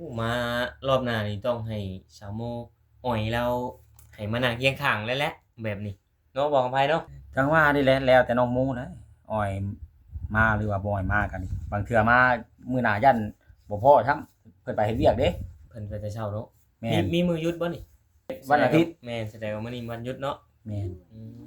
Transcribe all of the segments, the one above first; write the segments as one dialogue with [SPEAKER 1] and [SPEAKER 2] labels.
[SPEAKER 1] มารอบหน้านี่ต้องให้สาวโมอ่อยเราให้มานั่งเคียงข้างแล้วแหละแบบนี้เนาะบอกกับไผเนาะ
[SPEAKER 2] จังว่านี่แหละแล้วแต่น้องหมูนะอ้อยมาหรือว่าบ่อ้อยมากันนี่บางเทื่อมามื้อหน้ายันบ่พอซ้ำเพิ่นไปเฮ็ดเวียกเด้
[SPEAKER 1] เพิ่นไปแต่เช้าเนาะ
[SPEAKER 2] แม่
[SPEAKER 1] มี
[SPEAKER 2] น
[SPEAKER 1] มือหยุดบ่นี่
[SPEAKER 2] วันอาทิตย์
[SPEAKER 1] แม่นแสดงว่ามื้อนี้วันหยุดเนาะ
[SPEAKER 2] แม่น
[SPEAKER 1] อืม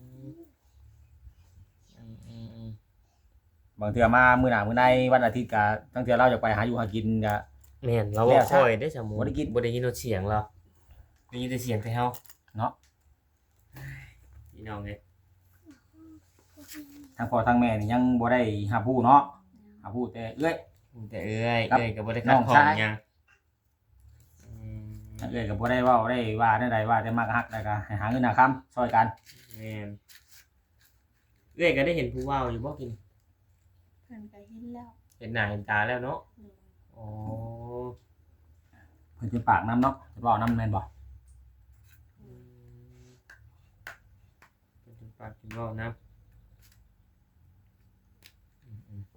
[SPEAKER 1] อืม
[SPEAKER 2] บางเทื่อมามื้อหน้ามื้อใดวันอาทิตย์ก็ทั้งเทื่อเราอยากไปหาอยู่หากินก็
[SPEAKER 1] แม่นเรา
[SPEAKER 2] แล้
[SPEAKER 1] บ่
[SPEAKER 2] ว
[SPEAKER 1] ค่อยได้สาวโม
[SPEAKER 2] บ่ได้กิน
[SPEAKER 1] บ่ได้ยินเสียงเราได้ยินแต่เสียงแต่เฮา
[SPEAKER 2] เนาะ
[SPEAKER 1] พี่น้องเอ้ย
[SPEAKER 2] ทั้งพ่อทั้งแม่นี่ยังบ่ได้รับรู้เนาะรับรู้แต่เอ้ย
[SPEAKER 1] แต่เอ้ย
[SPEAKER 2] ครับ
[SPEAKER 1] เอ้ยก็บ่ได้
[SPEAKER 2] น้
[SPEAKER 1] คัด
[SPEAKER 2] อง
[SPEAKER 1] ของ
[SPEAKER 2] ชาย
[SPEAKER 1] หยังอืม
[SPEAKER 2] เอ้ยก็บ่ได้เว้าได้ว่าได้ใดว่าแต่มักฮักแล้วก็ให้หาเงินหาคำช่วยกัน
[SPEAKER 1] แม่นเอ้ยก็ได้เห็นผู้เว้าอยู่บ่กิน
[SPEAKER 3] เพิ่นก็เห็นแล้ว
[SPEAKER 1] เห็นหน้าเห็นตาแล้วเนาะ
[SPEAKER 3] โดย
[SPEAKER 1] อ๋อ
[SPEAKER 2] เพิ่นเป็นปากน้ำเนาะจะเว้านำแม่นบ่
[SPEAKER 1] อืมเป็นจุดปากจุดเว้านะอืม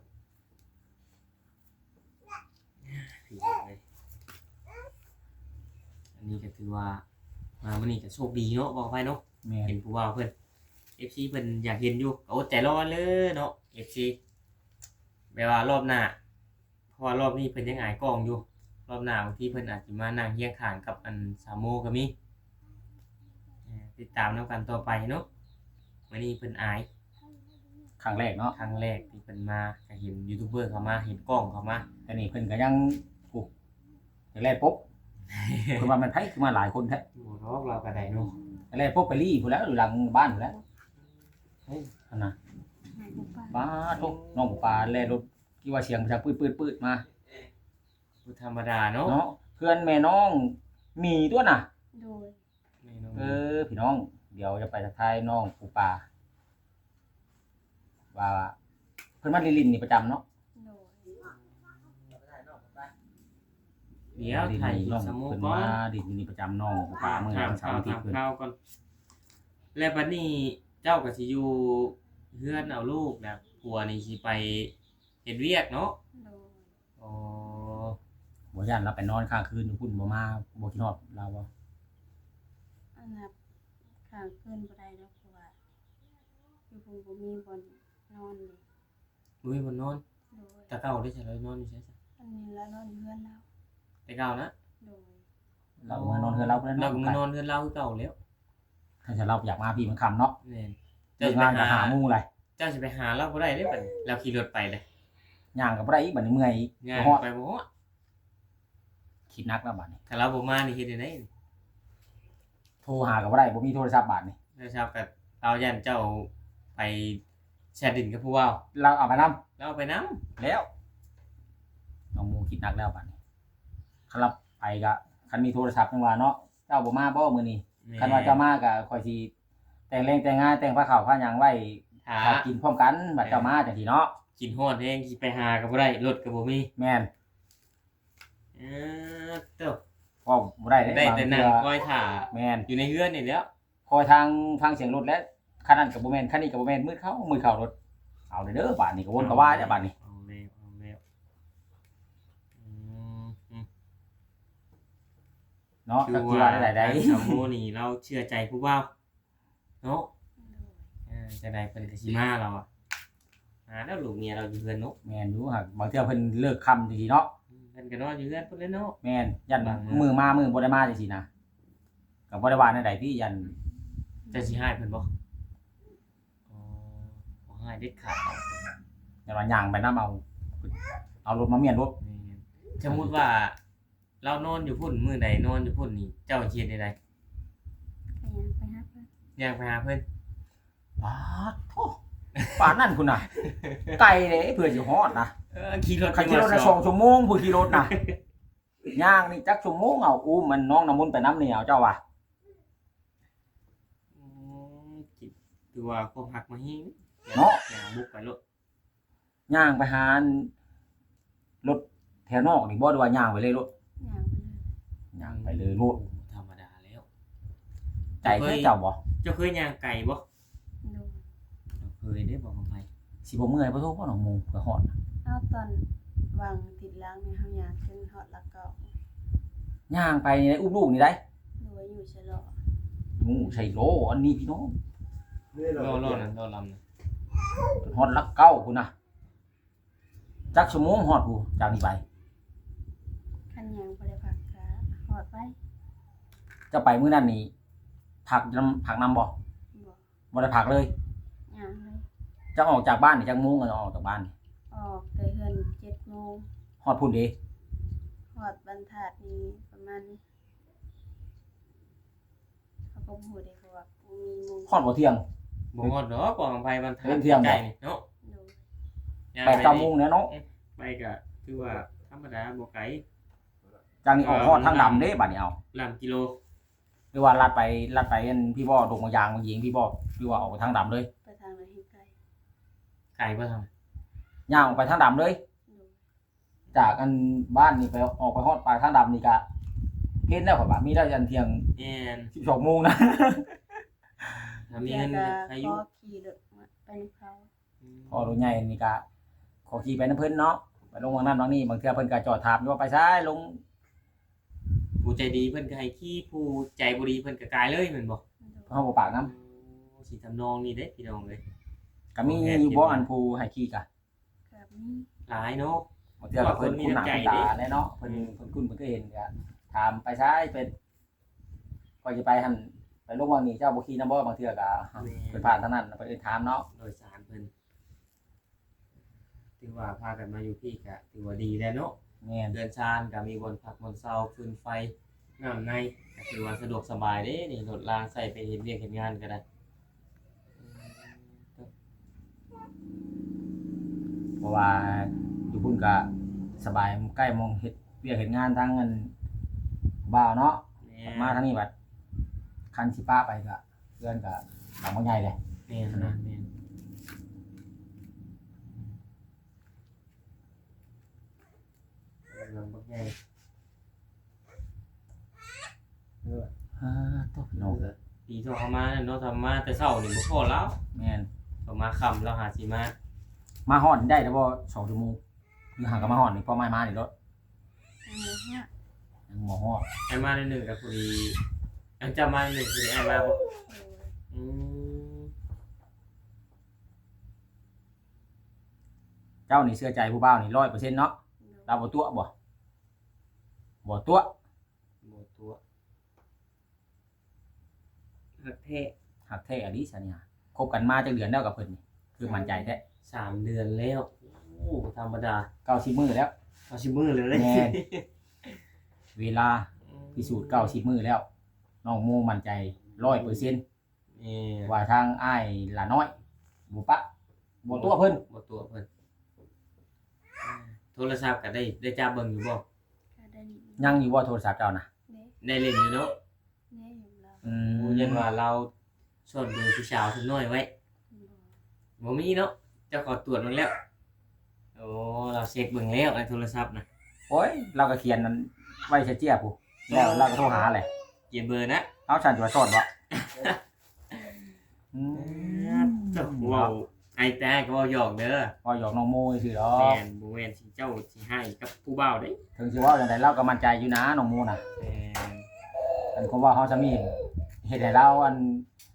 [SPEAKER 1] พี่น้องเอ้ยอันนี้ก็ถือว่ามามื้อนี้ก็โชคดีเนาะบอกไปเนาะ
[SPEAKER 2] แม่น
[SPEAKER 1] เห็นผู้ว่าเพิ่น FC เพิ่นอยากเห็นอยู่ก็อดใจรอเลยเนาะ FC แปลว่ารอบหน้าเพราะว่ารอบนี้เพิ่นยังอายกล้องอยู่รอบหน้าบางทีเพิ่นอาจสิมานั่งเคียงข้างกับอันสามโมก็มีติดตามนํกันต่อไปเนาะมื้อนี้เพิ่นอาย
[SPEAKER 2] ครั้งแรกเนาะ
[SPEAKER 1] ครั้งแรกที่เพิ่นมาก็เห็นยูทูบเบอร์เข้ามาเห็นกล้องเข้ามา
[SPEAKER 2] แต่นี่เพิ่นก็ยังโอ้แรกปุ๊บ เพิ่นว่ามันไผคือมาหลายคนแท้
[SPEAKER 1] บ่รอกเราก็ได้เนาะ
[SPEAKER 2] แรกปุ๊บไปรีพุ่นแล้วอยู่หลังบ้านพุ่นแล้ว
[SPEAKER 1] เฮ้ย
[SPEAKER 2] อันน่ะ
[SPEAKER 3] หายบ่ปาน
[SPEAKER 2] ป้าทุกน้องปลาแล่รถที่ว่าเสียงมันจะปืดๆๆมา
[SPEAKER 1] บ่ธรรมดาเนาะ
[SPEAKER 2] เนาะเพื่อนแม่น้องมีตัวน่ะ
[SPEAKER 3] โดย
[SPEAKER 1] นี่น้อง
[SPEAKER 2] พี่น้องเดี๋ยวจะไปทักทายน้องปูปลาว่าเพิ่นมาลินนี่ประจำเนาะ
[SPEAKER 3] โดย
[SPEAKER 1] เดี๋ยวไทย
[SPEAKER 2] น้อง
[SPEAKER 1] สามโม
[SPEAKER 2] เพิ่น
[SPEAKER 1] ก่อ
[SPEAKER 2] มาน ลินนี่ประจำน้องปูปลามื้อ
[SPEAKER 1] ถาม
[SPEAKER 2] วันเสาร์อาทิตย์
[SPEAKER 1] ถาม
[SPEAKER 2] เพิ่น
[SPEAKER 1] ข่าวก่อนแล้วบัดนี้เจ้าก็สิอยู่เฮือนเอาลูกนะผัวนี่สิไปเฮ็ดเวียกเนาะ
[SPEAKER 3] โดย
[SPEAKER 1] อ๋อ
[SPEAKER 2] บ่ย่านเราไปนอนค้างคืนอยู่พุ่นบ่มาบ่คิดฮอดเราบ่
[SPEAKER 3] อันนับข้างคืนบ่ได้ดอกเพราะว่าอยู่พุ่นบ่มีบ่อนนอนเลย
[SPEAKER 1] มื้อบ่นอน
[SPEAKER 3] โดย
[SPEAKER 1] แตะเก่าได้ใช่เลยนอนอยู่ใช่ซะ
[SPEAKER 3] อันนี้แล้วนอนอยู่เฮือนเรา
[SPEAKER 1] แต่เก่านะ
[SPEAKER 3] โดย
[SPEAKER 2] เรามานอนเฮือนเราเพิ่น
[SPEAKER 1] เรา
[SPEAKER 2] เนาะ
[SPEAKER 1] ก็มานอนเฮือนเราคือเก่าแล้ว
[SPEAKER 2] ถ้าจะเราอยากมาพี่มันค่ำเนาะ
[SPEAKER 1] แม่น
[SPEAKER 2] เลิกงานก็หาหมู่เลย
[SPEAKER 1] เจ้าสิไปหาเราบ่ได้เด้บัดนี้เราขี่รถไปเลย
[SPEAKER 2] ย่างก็บ่ได้อีกบัดนี้เมื่อยอีก
[SPEAKER 1] ง่าย
[SPEAKER 2] บ่ฮอด
[SPEAKER 1] ไปบ่ฮอด
[SPEAKER 2] คิดหนักแล้วบัดนี้
[SPEAKER 1] ถ้าเราบ่มานี่เฮ็ดได้ไดนี่
[SPEAKER 2] โทรหาก็บ่ได้บ่มีโทรศัพท์บัดนี้
[SPEAKER 1] แล้วเช้าก็เรายันเจ้าไปแชทดินกับผู้เว้า
[SPEAKER 2] เราเอาไปนํ
[SPEAKER 1] เราเอาไปนำ
[SPEAKER 2] แล้วน้องหมูคิดหนักแล้วบัดนี้คันรับไปก็คันมีโทรศัพท์จังว่าเนาะเจ้าบ่มาบ่มื้อนี้คันว่าเจ้ามาก็ค่อยสิแต่งแรงแต่งงานแต่งผ้าขาวผ้าหยังไว้
[SPEAKER 1] หา
[SPEAKER 2] ถ้ากินพร้อมกันบัดเจ้ามาจังซี่เนาะ
[SPEAKER 1] กินฮอดแฮงสิไปหาก็บ่ได้รถก็บ่มี
[SPEAKER 2] แม่น
[SPEAKER 1] เออเต้า
[SPEAKER 2] เว้าบ่ได้เด้
[SPEAKER 1] ได้
[SPEAKER 2] บาง
[SPEAKER 1] แต่
[SPEAKER 2] เทื่
[SPEAKER 1] นั่ง
[SPEAKER 2] อ
[SPEAKER 1] คอยถ่า
[SPEAKER 2] แม่น
[SPEAKER 1] อยู่ในเฮือนนี่แหล้ว
[SPEAKER 2] คอยทางฟังเสียงรถแล้วคันนั้นก็บ่แม่นคันนี้ก็บ่แม่นมืดเข้ารถเอาเด้อบัดนี้ก็วนก็ว่าเด้อบัดนี้
[SPEAKER 1] เอาแล้วอืม
[SPEAKER 2] เนาะ
[SPEAKER 1] คื
[SPEAKER 2] จั
[SPEAKER 1] อก
[SPEAKER 2] สิ
[SPEAKER 1] ว่า
[SPEAKER 2] ว่าได้ใด
[SPEAKER 1] สามโมนี่เราเชื่อใจผู้เว้าเนาะ
[SPEAKER 3] โดย
[SPEAKER 1] จะได้เพิ่นก็สิมาเราอ่ะแล้วลูกเมียเราอยู่เฮือนเนาะ
[SPEAKER 2] แม่นอยู่หักบางเทื่อเพิ่นเลิกค่ำจังซี่เนาะ
[SPEAKER 1] เพิ่นก็นอนอยู่เฮือนเพิ่นเลยเนาะ
[SPEAKER 2] แม่นยัน
[SPEAKER 1] บางมื้อ
[SPEAKER 2] มือมามือบ่ได้มาจังซี่นะก็บ่ได้ว่าในใดที่ยัน
[SPEAKER 1] จะสิให้เพิ่นบ่อ๋อบ่ให้เด็ดขาดเอา
[SPEAKER 2] ยันว่าย่างไปนํเอารถมาเมียนรถ
[SPEAKER 1] นี่สมมุติว่า เรานอนอยู่พุ่นมื้อใดนอนอยู่พุ่นนี่เจ้าเฮ็ดได้ได
[SPEAKER 3] ก็ยังไปหาเพิ่น
[SPEAKER 1] ย่างไปหาเพิ่น
[SPEAKER 2] ปาดโธ่ปานนั่นพุ่นน่ะ ไกลเด้เพื่อสิฮอดนะ
[SPEAKER 1] ขี่รถ
[SPEAKER 2] ใครขี่รถได้2ชั่วโมงผู้ขี่รถน่ะย่างนี่จักชั่วโมงเอาอุ้มมันน้องน้ำมนต์ไปน้ำนี่เอาเจ้าว่า
[SPEAKER 1] คิดดูว่าความหักมาหิง
[SPEAKER 2] เนาะ
[SPEAKER 1] ย่างบุกไปรถ
[SPEAKER 2] ย่างไปหารถแถวนอกนี่บ่ได้ว่าย่างไปเลยรถ
[SPEAKER 3] ย่างไปเลย
[SPEAKER 2] ย่างไปเลยรถ
[SPEAKER 1] ธรรมดาแล้ว
[SPEAKER 2] ใจแท้เจ้าบ่
[SPEAKER 1] เจ้าเคยย่างไก่บ่
[SPEAKER 3] โดย
[SPEAKER 1] เคยได้บอกกันไป
[SPEAKER 2] สิบ่เมื่อยบ่โทรบ่น้องหมูเพื่อฮอดน่ะ
[SPEAKER 3] เอาตอนวางติดล้างในเฮาย่างจนฮอดแล้วก็
[SPEAKER 2] ย่างไปในอุ้มลูกนี่ได้
[SPEAKER 3] โดยอยู่ชะลอ
[SPEAKER 2] งูใช่โลอันนี้พี่น้อง
[SPEAKER 1] รอนั่นรอลำนะ
[SPEAKER 2] ฮอดลักเก้าพุ่นน่ะจักชั่วโมงฮอดผู้จากนี้ไป
[SPEAKER 3] คันยังบ่ได้พักกะฮอดไว้
[SPEAKER 2] จะไปมื้อนั้นนี่ผักนำบ่
[SPEAKER 3] บ่
[SPEAKER 2] บ่ได้ผักเลย
[SPEAKER 3] ย่างเลย
[SPEAKER 2] จะออกจากบ้านนี่จักโมงก็ออกจากบ้านนี่
[SPEAKER 3] ออกแต่เฮือน7 โมง
[SPEAKER 2] ฮอดพุ่นเด้
[SPEAKER 3] ฮอดบรรทัดนี่ประมาณเขาก็บ่ฮู้ได้เพราะว่าบ่มีหมู่
[SPEAKER 2] ฮอดบ่เที่ยง
[SPEAKER 1] บ่ฮอดดอกกองไผบรรทัด
[SPEAKER 2] เล่นเที่ยงบ่
[SPEAKER 1] ใกล้นี่เนาะ
[SPEAKER 3] โดย
[SPEAKER 1] ย่าง
[SPEAKER 2] 8
[SPEAKER 1] ไป
[SPEAKER 2] 9โมงเนี่ยเนาะ
[SPEAKER 1] ไปก็คือว่าธรรมดาบ่ไกล
[SPEAKER 2] จากนี้ออกฮอดทางดำเด้บัดนี้เอา
[SPEAKER 1] ลำกิโล
[SPEAKER 2] หรือว่าลัดไปอันพี่บ่ดงมายางมายิงพี่บ่หรือว่าออกไปทางดำเลย
[SPEAKER 3] ไปทางไหนให้ไกล
[SPEAKER 1] ไกลบ่ทาง
[SPEAKER 2] ย่างออกไปทางดำเลย
[SPEAKER 3] โดย
[SPEAKER 2] จากอันบ้านนี่ไปออกไปฮอดปลายทางดำนี่ก็เฮ็ดแล้วข่อยว่ามีได้ยันเที่ยง
[SPEAKER 1] แม่น
[SPEAKER 2] 12โมงนะ
[SPEAKER 1] ถ้ามีเงิน
[SPEAKER 3] ก็
[SPEAKER 1] อา
[SPEAKER 3] ข
[SPEAKER 1] ยุ
[SPEAKER 3] อขี่รถมาไปนำเขา
[SPEAKER 2] พอรถใหญ่นี่ก็ขอขี่ไปน้ำเพิ่นเนาะไปลงวางนั้นวางนี้บางเทื่อเพิ่นก็จอดถามอยู่ว่าไปซ้ายลง
[SPEAKER 1] ผู้ใจดีเพิ่นก็ให้ขี้ผู้ใจบ่ดีเพิ่นก็กายเลยแม่นบ่
[SPEAKER 3] โดย
[SPEAKER 2] เฮาบ่ปากน้
[SPEAKER 1] สิทำนองนี่เด้พี่น้องเอ้ย
[SPEAKER 2] ำก็มีอยู่บ่อันผู้ให้ขี่ก็
[SPEAKER 3] กับมี
[SPEAKER 1] หลายเนาะ
[SPEAKER 2] บางเทื่อก็เพิ่นคุ้นหน้าคุ้นตาแน่เนาะเพิ่นคุ้นเพิ่นก็เห็นก็ถามไปซ้ายเป็นก็จะไปหั่นไปลงวางนี้เจ้าบ่ขี่นำบ่บางเทื่อก็เพิ่นผ่านทางนั้นไปเอิ้นถามเนาะ
[SPEAKER 1] โดยสารเพิ่นถือว่าพากันมาอยู่พี่ก็ถือว่าดีแล้วเนาะ
[SPEAKER 2] แม่น
[SPEAKER 1] เดือนชานก็มีบนพักบนเซาฟืนไฟน้ำในก็ถือว่าสะดวกสบายเด้นี่รถรางใส่ไปเฮ็ดเวียกเฮ็ดงานก็ได้
[SPEAKER 2] เพราะว่าอยู่พุ่นก็สบายใกล้มองเฮ็ดเวียกเฮ็ดงานทางอันบ่าวเนาะ
[SPEAKER 1] แม่
[SPEAKER 2] มาทางนี้บัดคันสิป้าไปก็เพื่อนก็หลังบ่ใหญ่เลย
[SPEAKER 1] แม่นะแม่เรื่องบักใหญ่
[SPEAKER 2] ตัวพี่น้อง
[SPEAKER 1] ปีโทรเข้ามาเนาะทำมาแต่เช้านี่บ่พอแล้ว
[SPEAKER 2] แม่น
[SPEAKER 1] ต่อมาค่ำแล้วหาสิมา
[SPEAKER 2] มาฮอดได้แล้วบ่2ชั่วโมงหรือห่างกับมาฮอดนี่พอมานี่รถ
[SPEAKER 3] อันนี้ฮะ
[SPEAKER 2] ยังบ่ฮอด
[SPEAKER 1] ไอ้มาในหนึ่งกับพอดีอันจะมาในหนึ่งพอดีไอ้มาบ่
[SPEAKER 3] โดย
[SPEAKER 1] อืม
[SPEAKER 2] เจ้านี่เชื่อใจผู้บ่าวนี่100%เนาะ
[SPEAKER 3] โดย
[SPEAKER 2] เราบ่ตัวบ่ตัว
[SPEAKER 1] บ่ตัวฮักแท้
[SPEAKER 2] หักแท้อลิซะเนี่ยคบกันมาจักเดือนแล้วกับเพิ่นนี่คือมั่นใจแท้
[SPEAKER 1] 3 เดือนแล้วโอ้บ่ธรรมดา
[SPEAKER 2] 90มื้อแล้ว
[SPEAKER 1] เอาสิมือเลย
[SPEAKER 2] แม่น เวลาพิสูจน์90มื้อแล้วน้องโมมั่นใจ 100%
[SPEAKER 1] นี่
[SPEAKER 2] ว่าทางอ้ายหลาน้อยบ่ปะบ่ตัวเพิ่น
[SPEAKER 1] บ่ตัวเพิ่นโทรศัพท์ก็ได้จับเบิ่งอยู่บ่
[SPEAKER 3] ก็ได้นี่
[SPEAKER 2] ยังอยู่บ่โทรศัพท์เจ้าน่ะ
[SPEAKER 3] เด้
[SPEAKER 1] ได้เล่นอยู่เนาะ
[SPEAKER 3] เด้อยู่แล้ว
[SPEAKER 1] โอ้ยันว่าเราชวนดูผู้สาวทุกน้อยไว้
[SPEAKER 3] บ่
[SPEAKER 1] บ่มีเนาะเจ้าขอตรวจเบิ่งแล้วโอ้เราเช็คเบิ่งแล้วในโทรศัพท์นะ
[SPEAKER 2] โอ้ยเราก็เขียนนั้นไว้เจี๊ยบผู้แล้วเราก็โทรหาแหละ
[SPEAKER 1] เก็บเบอร์นะ
[SPEAKER 2] เอาฉันจะมาสอนบ่อืม
[SPEAKER 1] เจ้าเว้าไอ้แต่ก็เว้าหยอกเด้อ
[SPEAKER 2] ว่าหยอกน้องโมซื่อดอ
[SPEAKER 1] แม่
[SPEAKER 2] ก
[SPEAKER 1] นบ่แม่นสิเจ้าสิให้กับผู้บ่าวเด้
[SPEAKER 2] ถึงสิว่าจังไดเราก็มั่นใจอยู่นะน้องโมน่ะ
[SPEAKER 1] แม่น
[SPEAKER 2] อันคงว่าเขาจะมีเฮ็ดให้เราอัน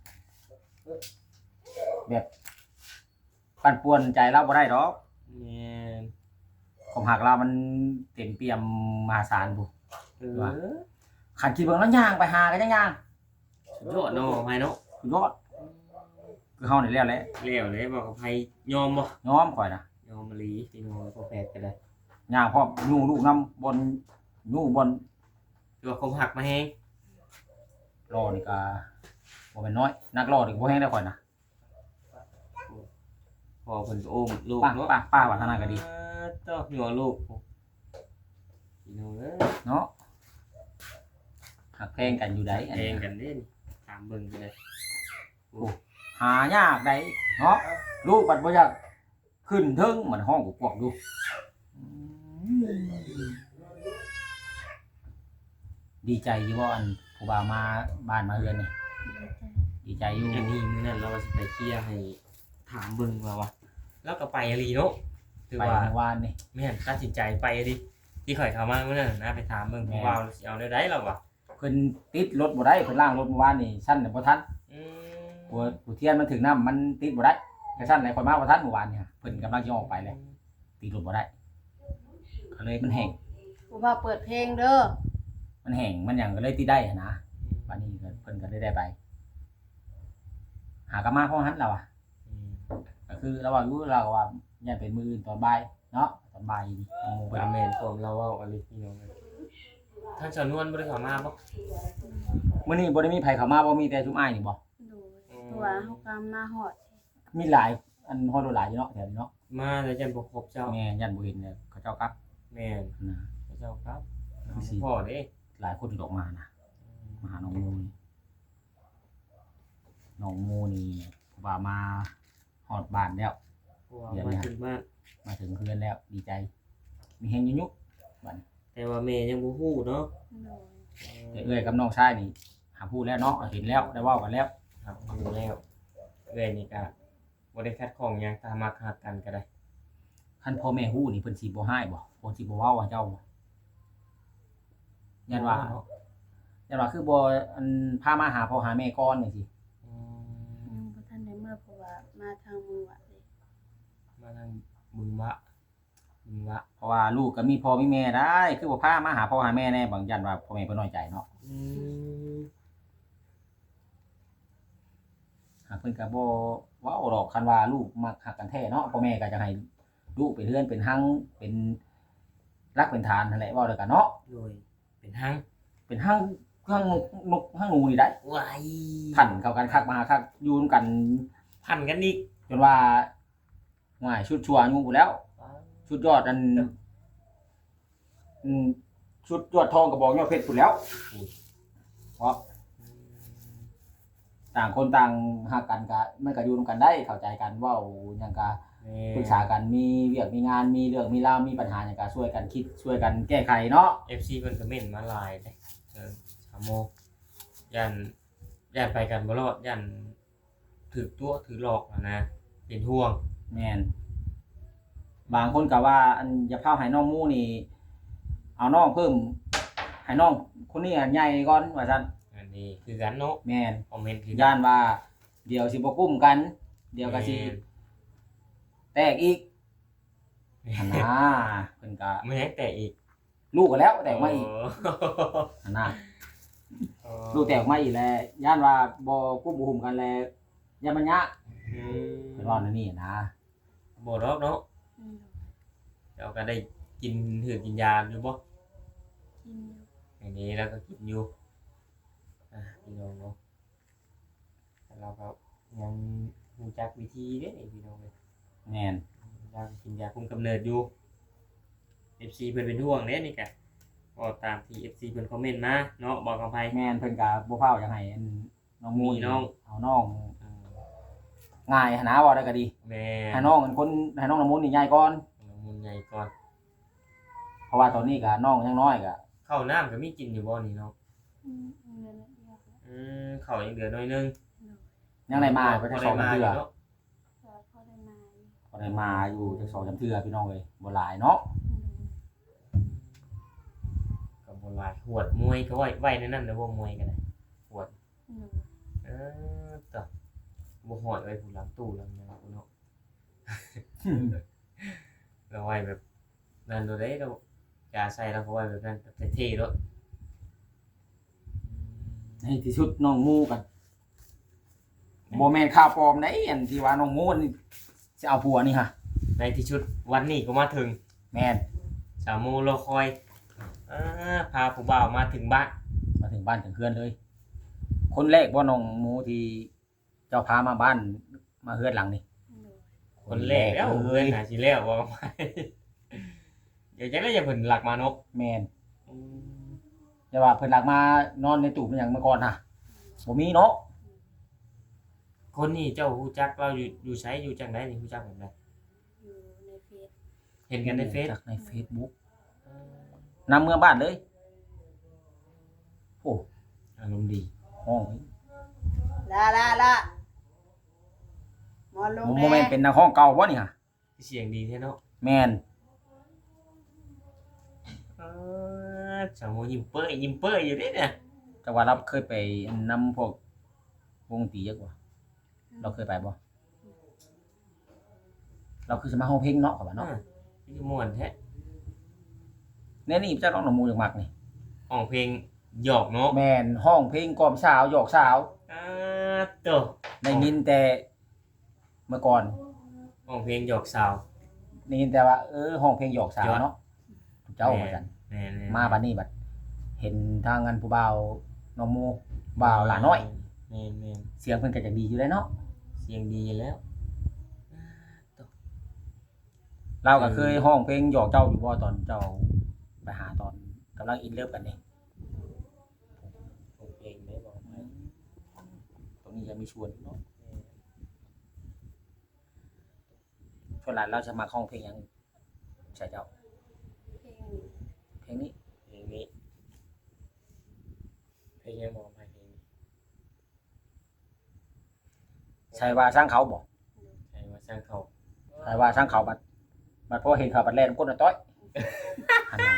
[SPEAKER 2] แบบปั่นป่วนใจเราบ่ได้ดอก
[SPEAKER 1] แม่น
[SPEAKER 2] ความหักเรามันเต็มเปี่ยมมหาศาลผู้
[SPEAKER 1] เออ
[SPEAKER 2] คันคิดเบิ่งแล้วย่างไปหาก็ยังย่าง
[SPEAKER 1] สุดยอดเนาะไผเนาะ
[SPEAKER 2] สุดยอดคือเฮานี่แล้วแหละ
[SPEAKER 1] แล้วเลยบอกกับไผยอมบ่
[SPEAKER 2] ยอมข่อยนะ
[SPEAKER 1] ยอมมะลีพี่น้องพอแพทย์ก็ได้
[SPEAKER 2] ย่างพร้อมยู่ลูกน้ำบนยู่บน
[SPEAKER 1] ตัวคมหักมาแฮง
[SPEAKER 2] รอนี่ก็บ่แม่นน้อยนักรอนี่ก็บ่แฮงได้ข่อยนะ
[SPEAKER 1] พอเพิ่นก็โอ้มลูก
[SPEAKER 2] ป้า
[SPEAKER 1] เนาะ
[SPEAKER 2] ป้าว่าทางนั้นก็ดี
[SPEAKER 1] ต้องหัวลูกพี่น้องเอ้ย
[SPEAKER 2] เนาะหักแพงกันอยู่ได้อัน
[SPEAKER 1] แพ
[SPEAKER 2] นี้
[SPEAKER 1] งกันเด้นตามเบิ่งไปเลย
[SPEAKER 2] หายากได้เนาะลูกบัดบ่อยากขึ้นเทิงเหมือนห้องกวกๆอยู่ดีใจอยู่ว่าอันผู้บ่าวมาบ้านมาเฮือนนี่ดีใจอยู่
[SPEAKER 1] อันนี้มื้อนั้นเราสิไปเคลียร์ให้ถามเบิ่งว่าแล้วก็ไปอะลีเนาะถือ
[SPEAKER 2] ไป
[SPEAKER 1] ว่า
[SPEAKER 2] เมื่อวานนี่
[SPEAKER 1] แม่นตัดสินใจไปอะดิที่ข่อยเข้ามาเมื่อนั้นนะไปถามเบิ่งผู้ว่าสิเอาได้เราวะ
[SPEAKER 2] เพิ่นติดรถบ่ได้เพิ่นล้างรถเมื่อวานนี่ชั้นน่ะบ่ทัน
[SPEAKER 1] อืม
[SPEAKER 2] หัวเทียนมันถึงน้ำมันติดบ่ได้กระชั้นไหนคนมาบ่ทันเมื่อวานเนี่ยเพิ่นกำลังจะออกไปเลยติดรถบ่ได้ก็เลยมันแห้ง
[SPEAKER 3] ผู้ว่าเปิดเพลงเด้อ
[SPEAKER 2] มันแห้งมันหยังก็เลยติดได้หั้นนะวันนี้ก็เพิ่นก็ได้ไป หากนมาเพราะหันเราอ่ะ
[SPEAKER 1] อืม
[SPEAKER 2] ก็คือเราว่าอยู่เราก็ว่ายันเป็นมื้ออื่นตอนบ่ายเนาะตอนบ่ายนี่โมง
[SPEAKER 1] ว่าแม่นผมเราเว้าอะไรพี่น้องเอ้ยท่านเจ้านวลบ่ได้เข้ามาบ่
[SPEAKER 2] มื้อนี้บ่ได้มีไผเข้ามาบ่มีแต่ชุมอ้ายนี่บ่
[SPEAKER 3] โดยเพราะว่าเฮาก็มาฮอด
[SPEAKER 2] มีหลายอันฮอดหลายอยู่เนาะแถวนี้เนาะ
[SPEAKER 1] มาแล้วจันบ่ครบเจ้า
[SPEAKER 2] แม่ยันบ่เห็นเนี่ยเขาเจ้ากลับ
[SPEAKER 1] แม่น
[SPEAKER 2] นะ
[SPEAKER 1] เจ้าครับ
[SPEAKER 2] คือสิ
[SPEAKER 1] พ่อเด้
[SPEAKER 2] หลายคนออกมานะมาหาน้องโมนี่น้องโมนี่ว่ามาฮอดบ้านแล้ว
[SPEAKER 1] เพราะว่ามาถึงบ้าน
[SPEAKER 2] มาถึงเพื่อนแล้วดีใจ มีแฮงยุกบัดนี้
[SPEAKER 1] แต่ว่าแม่ยังบ่ฮู้เนาะ
[SPEAKER 3] โดย
[SPEAKER 2] แต่เอ้ยกับน้องชายนี่หาพูดแล้วเนาะเห็นแล้วได้เว้ากันแล้ว
[SPEAKER 1] ครับรู้แล้วเอ้ยนี่ก็บ่ได้คัดของหยังตามมาหักกันก็ได้
[SPEAKER 2] คันพ่อแม่ฮู้นี่เพิ่นสิบ่ให้บ่เพิ่นสิบ่เว้าว่าเจ้าบ่ยันว่าคือบ่อันพามาหาพ่อหาแม่ก่อนจังซี่
[SPEAKER 1] อืม
[SPEAKER 3] ยังบ่ทันได้เมื่อเพราะว่ามาทางมือวะเลย
[SPEAKER 1] มาทางบึงวะ
[SPEAKER 2] เพราะว่าลูกก็มีพ่อมีแม่ได้ คือบ่พามาหาพ่อหาแม่แน่บางยันว่าพ่อแม่เพิ่นน้อยใจเนาะ
[SPEAKER 1] อืม
[SPEAKER 2] หากเพิ่นก็บ่เว้าดอกคันว่าลูกมักฮักกันแท้เนาะพ่อแม่ก็จะให้ลูกเป็นเรือนเป็นหังเป็นรักเป็นฐานนั่นแหละเว้าแล้วกันเนาะ
[SPEAKER 1] โดยเป็นหัง
[SPEAKER 2] เป็นหังนกหังหนูนี่ได้
[SPEAKER 1] วาย
[SPEAKER 2] พันเข้ากันคักมาคักอยู่นำกัน
[SPEAKER 1] พันกันอีก
[SPEAKER 2] จนว่าง่ายชุดชั่วอายุพู้นแล้ว ชุดยอดอันชุดยอดทองกระบอกยอดเพชรพู้นแล้วเพราะต่างคนต่างฮักกันก็มันก็อยู่นำกันได้เข้าใจกันเว้าหยังก็ปรึกษากันมีเวียกมีงานมีเรื่องมีราวมีปัญหาหยังก็ช่วยกันคิดช่วยกันแก้ไขเนาะ
[SPEAKER 1] FC เพิ่นก็เม่นมาหลายเด้ชาโมย่านไปกันบ่รอดย่านถูกตัวถูกหลอกอะนะเป็นห่วง
[SPEAKER 2] แม่นบางคนก็ว่าอันอย่าพาให้น้องหมู่นี่เอาน้องเพิ่มให้น้องคนนี้ใหญ่ก่อนว่าซั่น
[SPEAKER 1] อันนี้คือกันเนาะ
[SPEAKER 2] แม่น
[SPEAKER 1] คอมเมนต์คือ
[SPEAKER 2] ย่านว่าเดี๋ยวสิบ่กุ้มกัน เดี๋ยวก็สิแตกอีกหั่นนะเพิ่นก็
[SPEAKER 1] ไม่ให้แตกอีก
[SPEAKER 2] ลูกก็แล้วแตกมาอีกหั่นนะ
[SPEAKER 1] อ๋อ
[SPEAKER 2] ลูกแตกมาอีกแล้วย่านว่าบ่กุ้มบ่หุมกันแล้วย่านมันยะ
[SPEAKER 1] อืม
[SPEAKER 2] เพิ่นว่าแนวนี้นะ
[SPEAKER 1] บ่รอบเนาะ
[SPEAKER 3] อืม
[SPEAKER 1] เดี๋ยวก็ได้กินถือกินยาอยู่บ่
[SPEAKER 3] กินอยู่
[SPEAKER 1] อันนี้แล้วก็กินอยู่พี่น้องเนาะแต่เราก็ยังรู้จักวิธีเด้พี่น้องเลย
[SPEAKER 2] แม่น
[SPEAKER 1] ยังกินยาคุมกำเนิดอยู่ FC เพิ่นเป็นห่วงเด้นี่กะก็ตามที่ FC เพิ่นคอมเมนต์มาเนาะบอกกับไผ
[SPEAKER 2] แม่นเพิ่นก็บ่เฝ้าจังไห้อันน้องหมู่
[SPEAKER 1] มีน้อง
[SPEAKER 2] เอาน้อง
[SPEAKER 1] อืม
[SPEAKER 2] ง่ายหั่นนะเว้าได้ก็ดี
[SPEAKER 1] แม่
[SPEAKER 2] ให้น้องเป็นคนให้น้องน้ำมนต์นี่ใหญ่ก่อน
[SPEAKER 1] มุนใหญ่ก่อน
[SPEAKER 2] เพราะว่าตอนนี้ก็น้องยังน้อยก็
[SPEAKER 1] ข้าวน้ำก็มีกินอยู่บ่นี่เนาะ
[SPEAKER 3] เงินเยอะ
[SPEAKER 1] ข้าวยังเหลือน้อยนึง
[SPEAKER 2] ยังได้มาไป
[SPEAKER 1] พ
[SPEAKER 2] จั
[SPEAKER 1] อก
[SPEAKER 2] ส
[SPEAKER 1] ได้
[SPEAKER 2] อง
[SPEAKER 1] มา
[SPEAKER 2] สาม
[SPEAKER 1] อ
[SPEAKER 2] เทื่อยู่
[SPEAKER 1] เนาะ
[SPEAKER 3] ก็พอได้มาอยู่
[SPEAKER 2] พอได้มาอยู่จักสองสามเทื่อพี่น้องเอ้ยบ่หลายเนาะ
[SPEAKER 1] ก็บ่หลายหวดมวยก็ไว้ในนั้นนะบ่มวยก็ได้
[SPEAKER 3] หนู
[SPEAKER 1] ต่อบ่หอดไว้ผู้หลังตู้หลังหยังเนาะ เราไว้แบบนั่นโดได้เราอย่าใส่แล้วก็ไว้แบบนั้นแบบเท่ๆเนาะ
[SPEAKER 2] ในที่สุดน้องหมูกันบ่แม่นข่าวปลอมได้อันที่ว่าน้องหมูนี่สิเอาผัวนี่ฮะ
[SPEAKER 1] ในที่ชุดวันนี้ก็มาถึง
[SPEAKER 2] แม่น
[SPEAKER 1] สามโมงรอคอยพาผู้บ่าวมาถึงบ้าน
[SPEAKER 2] มาถึงบ้านถึงเฮือนเลย คนแรกบ่น้องหมูที่เจ้าพามาบ้านมาเฮือนหลังนี่
[SPEAKER 3] หนู
[SPEAKER 1] คนแรกแล้ว
[SPEAKER 2] เล
[SPEAKER 1] เพื่อน
[SPEAKER 2] ย
[SPEAKER 1] หาสิแล้วว่าไป เดี๋ยวจะได้อย่าเพิ่นหลักมานก
[SPEAKER 2] แม่นอย่าว่าเพิ่นหลักมานอนในตู้เป็นหยังเมื่อก่อนฮะบ่มีเนาะ
[SPEAKER 1] คนนี้เจ้าฮู้จักเราอยู่ไสอยู่จังไดนี่ฮู้จักแบบใด
[SPEAKER 3] อยู่ในเฟซ
[SPEAKER 1] เห็นกันในเฟซ
[SPEAKER 2] จากใน Facebook นำเมืองบ้านเลยโอ้
[SPEAKER 1] อารมณ์ดี
[SPEAKER 2] ห้อง
[SPEAKER 3] ละหมอนลง
[SPEAKER 2] โม
[SPEAKER 3] แน่
[SPEAKER 2] เมนต์เป็นนักห้องเก่าบ่นี่ฮะ
[SPEAKER 1] เสียงดีแท้เนาะ
[SPEAKER 2] แม่น
[SPEAKER 1] สาวโมยิ้มเป้ยอยู่เด้เนี่ย
[SPEAKER 2] แต่ว่าเราเคยไปนำพวกวงดนตรีเยอะกว่าเราเคยไปบ่เราคือสมาห้องเพลงเนาะกับว่าเนาะ
[SPEAKER 1] พี่ม่วนแท้
[SPEAKER 2] เนี่ยนี่เจ้าน้องหนองมูอย่างมักนี่
[SPEAKER 1] ห้องเพลงหยอกเนาะ
[SPEAKER 2] แม่นห้องเพลงกล่อมสาวหยอกสาว
[SPEAKER 1] โตัว
[SPEAKER 2] ได้ยินแต่เมื่อก่อน
[SPEAKER 1] ห้องเพลงหยอกสาว
[SPEAKER 2] ได้ยินแต่ว่าห้องเพลงหยอกสาวเนาะเจ้าเหมือนกัน
[SPEAKER 1] แม่นๆ
[SPEAKER 2] มาบัดนี้บัดเห็นทางงานผู้บ่าวน้องมูบ่าวหลาน้อย
[SPEAKER 1] แม่น
[SPEAKER 2] เสียงเพิ่นก็จะดีอยู่แล้วเนาะ
[SPEAKER 1] ๆเสียงดีแล้ว
[SPEAKER 2] เราก็เคยห้องเพลงหยอกเจ้าอยู่บ่ตอนเจ้าไปหาตอนกำลังอินเลิฟกันนี่
[SPEAKER 1] ห้องเพลงได้บอกไหม
[SPEAKER 2] ตรงนี้จะมีชวนเนาะชวนหลานเราจะมาห้องเพลงหยังใช่เจ้า
[SPEAKER 3] เพลงนี้
[SPEAKER 2] เพลงนี้
[SPEAKER 1] เพลงนี้เพลงยังบอกไหมเพลงนี้
[SPEAKER 2] ใช่ว่าสร้างเขาบ่
[SPEAKER 1] ใช่ว่าสร้างเขา
[SPEAKER 2] ใช่ว่าสร้างเขาบัดพอเห็นเขาบัดแล่นก้นน่ะต้อยหันมา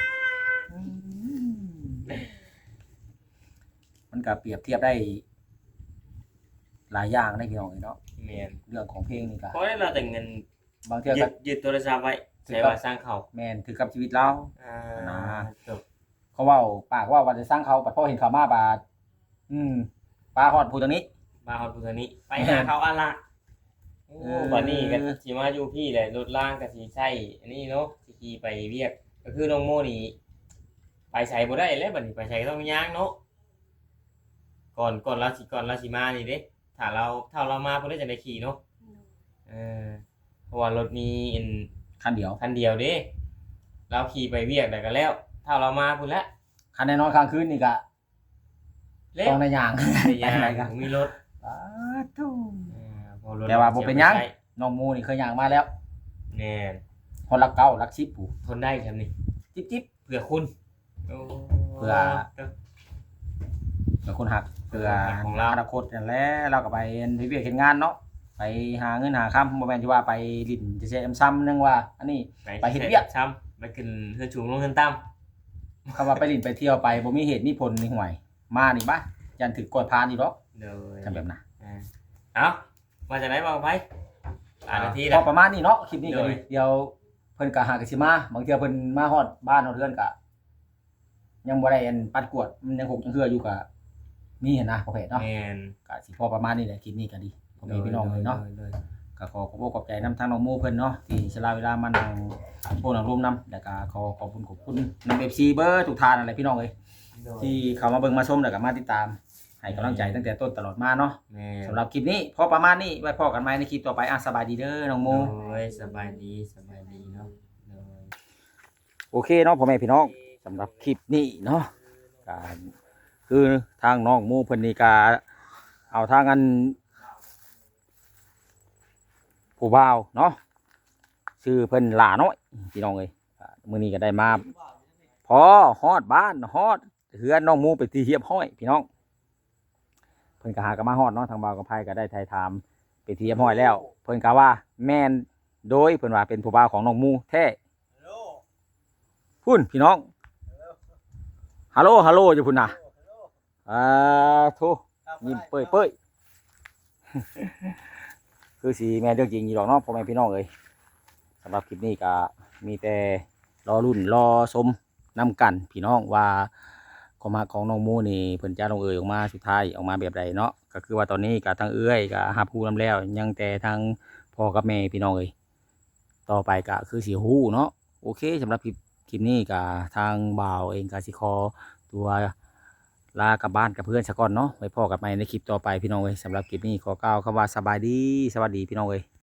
[SPEAKER 2] มันก็เปรียบเทียบได้หลายอย่างได้พี่น้องเนาะ
[SPEAKER 1] แม่น
[SPEAKER 2] เรื่องของเพลงนี่ก็
[SPEAKER 1] เพราะเราแต่เงิน
[SPEAKER 2] บางเทื่อ
[SPEAKER 1] ยึ
[SPEAKER 2] ก็
[SPEAKER 1] ดโทรศัพท์ไว้ใช่ว่าสร้างเขา
[SPEAKER 2] แม่นถือกับชีวิตเรา
[SPEAKER 1] นะจบ
[SPEAKER 2] เขาเว้าปากว่าจะสร้างเขาบัดพอเห็นเขามาบาดปลาฮอดผู้ตรงนี้
[SPEAKER 1] มาฮอดผู้นี้ไปหาเขาอะละโอ้วันนี้ก็สิมาอยู่พี่แหละรถล่างก็สิใช้อันนี้เนาะสิขี่ไปเวียกก็คือน้องโมนี่ไปใส่บ่ได้แล้วบัดนี้ไปใส่ต้องย่างเนาะก่อนเราสิมานี่เด้ถ้าเรามาเพิ่นจะได้ขี่เนาะเพราะว่ารถมีอัน
[SPEAKER 2] คันเดียว
[SPEAKER 1] คันเดียวเด้เราขี่ไปเวียกได้ก็แล้วถ้าเรามาพุ่นละ
[SPEAKER 2] คันแน่นอนค้างคืนนี่ก็
[SPEAKER 1] เล็ก
[SPEAKER 2] ต้องในย่าง
[SPEAKER 1] ย่าง
[SPEAKER 2] ไปไหนกัน
[SPEAKER 1] มีรถ
[SPEAKER 2] แต่ว่าบ่เป็นหยัง น้องมูนี่เคยย่างมาแล้ว
[SPEAKER 1] แน่
[SPEAKER 2] คนรักเก่ารักชิปผู้
[SPEAKER 1] ทนได้ครับนี่
[SPEAKER 2] จิ๊บ
[SPEAKER 1] เผื่อคุณโอ้
[SPEAKER 2] เผื่อ เป็นคนหักเพื่อ
[SPEAKER 1] ของเรา
[SPEAKER 2] อนาคตนั่นแหละเราก็ไปเวียกเฮ็ดงานเนาะไปหาเงินหาค่ำบ่แม่นที่ว่าไปลิ้นจะเซมซ้ำนึงว่า อันนี้ ไปเฮ็ดเวียก
[SPEAKER 1] ช้ำไปขึ้นเฮือนสูงลงเฮือนต่ำ
[SPEAKER 2] คำว่าไปลิ้นไปเที่ยวไปบ่มีเหตุมีผลนี่ห่วย มานี่บ่ยันถึกกดพานอีกดอก
[SPEAKER 1] เลย
[SPEAKER 2] ทำแบบนั้น
[SPEAKER 1] เอามาจากไหนบอกไปนาที
[SPEAKER 2] พ
[SPEAKER 1] แล้
[SPEAKER 2] อ
[SPEAKER 1] ว
[SPEAKER 2] ประมาณนี้เนาะคลิปนี้ก็
[SPEAKER 1] โด
[SPEAKER 2] ดี
[SPEAKER 1] ย
[SPEAKER 2] เดี๋ยวเพิ่นก็หากันสิมาบางเทื่อเพิ่นมาฮอดบ้านฮอดเรือนก็ยังบ่ได้อันปัดกวดมันยังหกยังเหืออยู่ก็มีเห็นนะประเภทเนาะ
[SPEAKER 1] แมน
[SPEAKER 2] ก็สิพอประมาณนี้แหละคลิปนี้ก็ดีผมมีพี่น้องเลยเนาะ ก็ขอขอบคุณขอบใจนำทางน้องโมเพิ่นเนาะที่สละเวลามานั่งโอ้นั่งร่วมนำแล้วก็ขอบคุณนำ FC เบอร์ทุกท่านอะไรพี่น้องเอ้ยที่เข้ามาเบิ่งมาชมแล้วก็มาติดตามให้กำลังใจตั้งแต่ต้นตลอดมาเนาะ
[SPEAKER 1] แมน
[SPEAKER 2] สำหรับคลิปนี้พอประมาณนี้ไว้พอกันใหม่ในคลิปต่อไปสบายดีเด้อน้องโม
[SPEAKER 1] โอ้ยสบายดีเนาะโดย
[SPEAKER 2] โอเคเนาะพ่อแม่พี่น้องสำหรับคลิปนี้เนาะการคือทางน้องโมเพิ่นนี่ก็เอาทางอันผู้บ่าวเนาะชื่อเพิ่นหลาน้อยพี่น้องเอ้ยมื้อนี้ก็ได้มาพอฮอดบ้านฮอดเฮือนน้องโมไปที่เฮียบห้อยพี่น้องเพิ่นก็หากันมาฮอดเนาะทางบ่าวกับไผก็ได้ถ่ายถามไปที่เฮียบห้อยแล้ว เพิ่นก็ว่าแม่นโดยเพิ่นว่าเป็นผู้บ่าวของน้องโมแท้พุ่นพี่น้องฮัลโหลอยู่พุ่นน่ะโทยิ้มเป้ยคือสีแม่นเรื่องจริงอยู่หรอกเนาะพ่อแม่พี่น้องเอ้ยสำหรับคลิปนี้ก็มีแต่รอรุ่นรอชมนํกันพี่น้องว่าความรักของน้องโมนี่เพิ่นจะลงเอยออกมาสุดท้ายออกมาแบบใดเนาะก็คือว่าตอนนี้ก็ทางเอื้อยก็รับรู้นํแล้วยังแต่ทางพ่อกับแม่พี่น้องเอ้ยต่อไปก็คือสิฮู้เนาะโอเคสำหรับคลิปนี้ก็ทางบ่าวเองก็สิขอตัวลากลับบ้านกับเพื่อนสักก่อนเนาะไว้พ่อกับแม่ในคลิปต่อไปพี่น้องเอ้ยสำหรับคลิปนี้ขอกล่าวคำว่าสบายดีสวัสดีพี่น้องเอ้ย